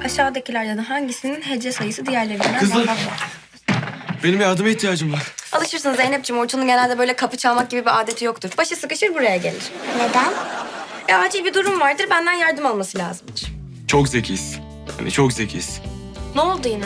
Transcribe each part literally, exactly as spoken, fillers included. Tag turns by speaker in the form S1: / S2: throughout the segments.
S1: Aşağıdakilerden hangisinin hece sayısı diğerlerinden
S2: Kızlar.
S1: daha fazla?
S2: Benim yardıma ihtiyacım var.
S1: Alışırsın Zeynep'ciğim. Orçun'un genelde böyle kapı çalmak gibi bir adeti yoktur. Başı sıkışır buraya gelir.
S3: Neden?
S1: E, acil bir durum vardır. Benden yardım alması lazımdır.
S2: Çok zekiyiz. Hani çok zekiyiz.
S1: Ne oldu yine?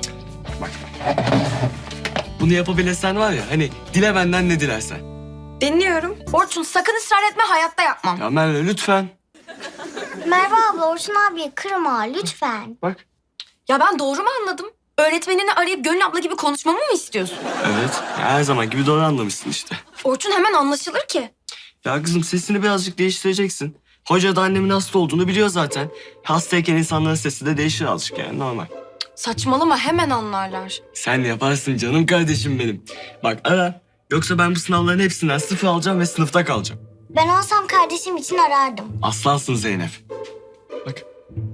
S2: Bunu yapabilesen var ya, hani dile benden ne dilersen.
S1: Dinliyorum. Orçun sakın ısrar etme. Hayatta yapmam.
S2: Ya Merve lütfen.
S3: Merve abla Orçun abiye kırma lütfen.
S2: Bak.
S1: Ya ben doğru mu anladım? Öğretmenini arayıp Gönül abla gibi konuşmamı mı istiyorsun?
S2: Evet. Ya her zaman gibi doğru anlamışsın işte.
S1: Orçun hemen anlaşılır ki.
S2: Ya kızım sesini birazcık değiştireceksin. Hoca da annemin hasta olduğunu biliyor zaten. Hastayken insanların sesi de değişir azıcık yani normal.
S1: Saçmalama hemen anlarlar.
S2: Sen yaparsın canım kardeşim benim. Bak ara. Yoksa ben bu sınavların hepsinden sıfır alacağım ve sınıfta kalacağım.
S3: Ben olsam kardeşim için arardım.
S2: Aslansın Zeynep. Bak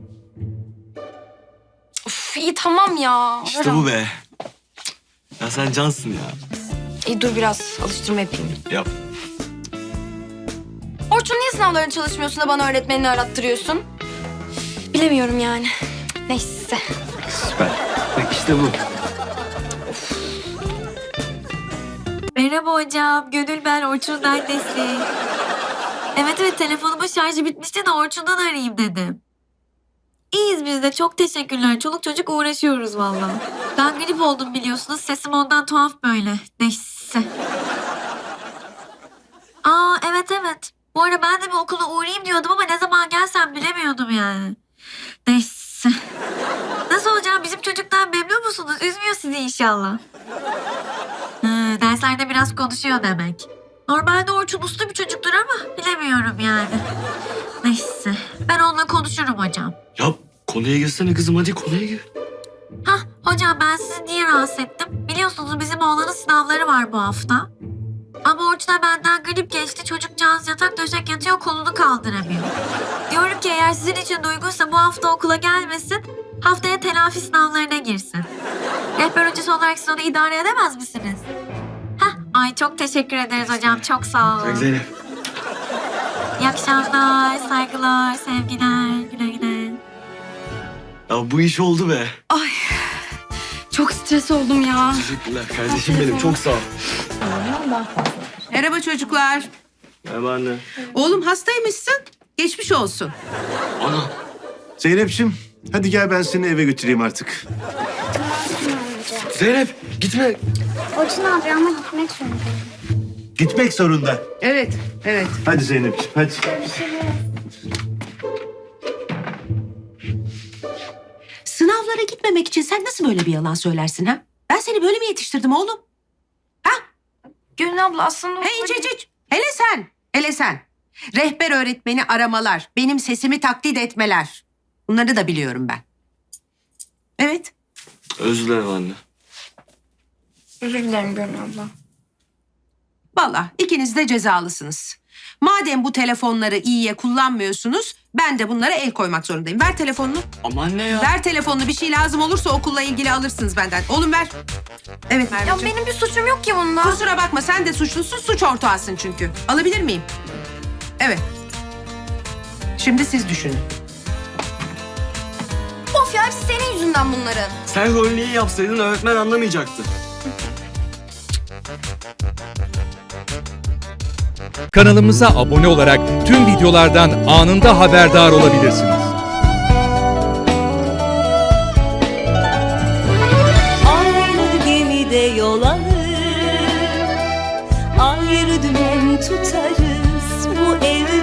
S1: Uf iyi tamam ya.
S2: işte bu be. Ya sen cansın ya.
S1: İyi dur biraz alıştırma yapayım.
S2: Yap.
S1: Orçun niye sınavlarını çalışmıyorsun da bana öğretmenini arattırıyorsun? Bilemiyorum yani. Neyse.
S2: Süper. Bak işte bu.
S4: Merhaba hocam. Gönül ben Orçun'un annesi. Evet evet telefonumun şarjı bitmişti de Orçun'dan arayayım dedim. İyiyiz biz de çok teşekkürler. Çoluk çocuk uğraşıyoruz vallahi. Ben grip oldum biliyorsunuz. Sesim ondan tuhaf böyle. Neyse. Aa evet evet. Bu arada ben de bir okula uğrayayım diyordum ama ne zaman gelsem bilemiyordum yani. Neyse. Nasıl hocam bizim çocuktan memnun musunuz? Üzmüyor sizi inşallah. Hı, derslerde biraz konuşuyor demek. Normalde Orçun uslu bir çocuktur ama bilemiyorum yani. Neyse. Ben onunla konuşurum hocam.
S2: Ya konuya girsene kızım, hadi konuya gir.
S4: Hah hocam ben sizi niye rahatsız ettim? Biliyorsunuz bizim oğlanın sınavları var bu hafta. Ama Orçun'a benden grip geçti. Çocukcağız yatak döşek yatıyor, kolunu kaldıramıyor. Diyorum ki eğer sizin için de uygunsa bu hafta okula gelmesin. Haftaya telafi sınavlarına girsin. Rehber hocası olarak siz onu idare edemez misiniz? Hah, ay çok teşekkür ederiz hocam. Çok sağ olun.
S2: Bak Zeynep.
S4: İyi akşamlar, saygılar, sevgiler. Güle güle.
S2: Ya bu iş oldu be.
S1: Ay çok stres oldum ya.
S2: Teşekkürler kardeşim benim, çok sağ ol.
S5: Merhaba çocuklar.
S2: Merhaba anne.
S5: Oğlum hastaymışsın. Geçmiş olsun.
S2: Ana.
S6: Zeynep'ciğim hadi gel ben seni eve götüreyim artık.
S3: Tamam amca.
S2: Zeynep gitme.
S3: Orçun abi ama gitmek zorundayım.
S6: Gitmek zorunda.
S5: Evet, evet.
S6: Hadi Zeynep'ciğim hadi.
S5: Sınavlara gitmemek için sen nasıl böyle bir yalan söylersin ha? Ben seni böyle mi yetiştirdim oğlum?
S1: Gönül abla aslında...
S5: Hey hiç hiç hiç. Hele sen, hele sen. Rehber öğretmeni aramalar, benim sesimi taklit etmeler. Bunları da biliyorum ben. Evet.
S2: Özür dilerim anne.
S1: Özür dilerim Gönül abla.
S5: Vallahi ikiniz de cezalısınız. Madem bu telefonları iyiye kullanmıyorsunuz, ben de bunlara el koymak zorundayım. Ver telefonunu.
S2: Ama anne ya.
S5: Ver telefonunu. Bir şey lazım olursa okulla ilgili alırsınız benden. Oğlum ver. Evet
S1: Ya
S5: Merveciğim.
S1: benim bir suçum yok ki bunda.
S5: Kusura bakma sen de suçlusun, suç ortağısın çünkü. Alabilir miyim? Evet. Şimdi siz düşünün.
S1: Of ya hepsi senin yüzünden bunların.
S2: Sen rolünü iyi yapsaydın öğretmen anlamayacaktı.
S7: Kanalımıza abone olarak tüm videolardan anında haberdar olabilirsiniz.
S8: Aynı gemide yol alır, ayrı dümen tutarız bu evde.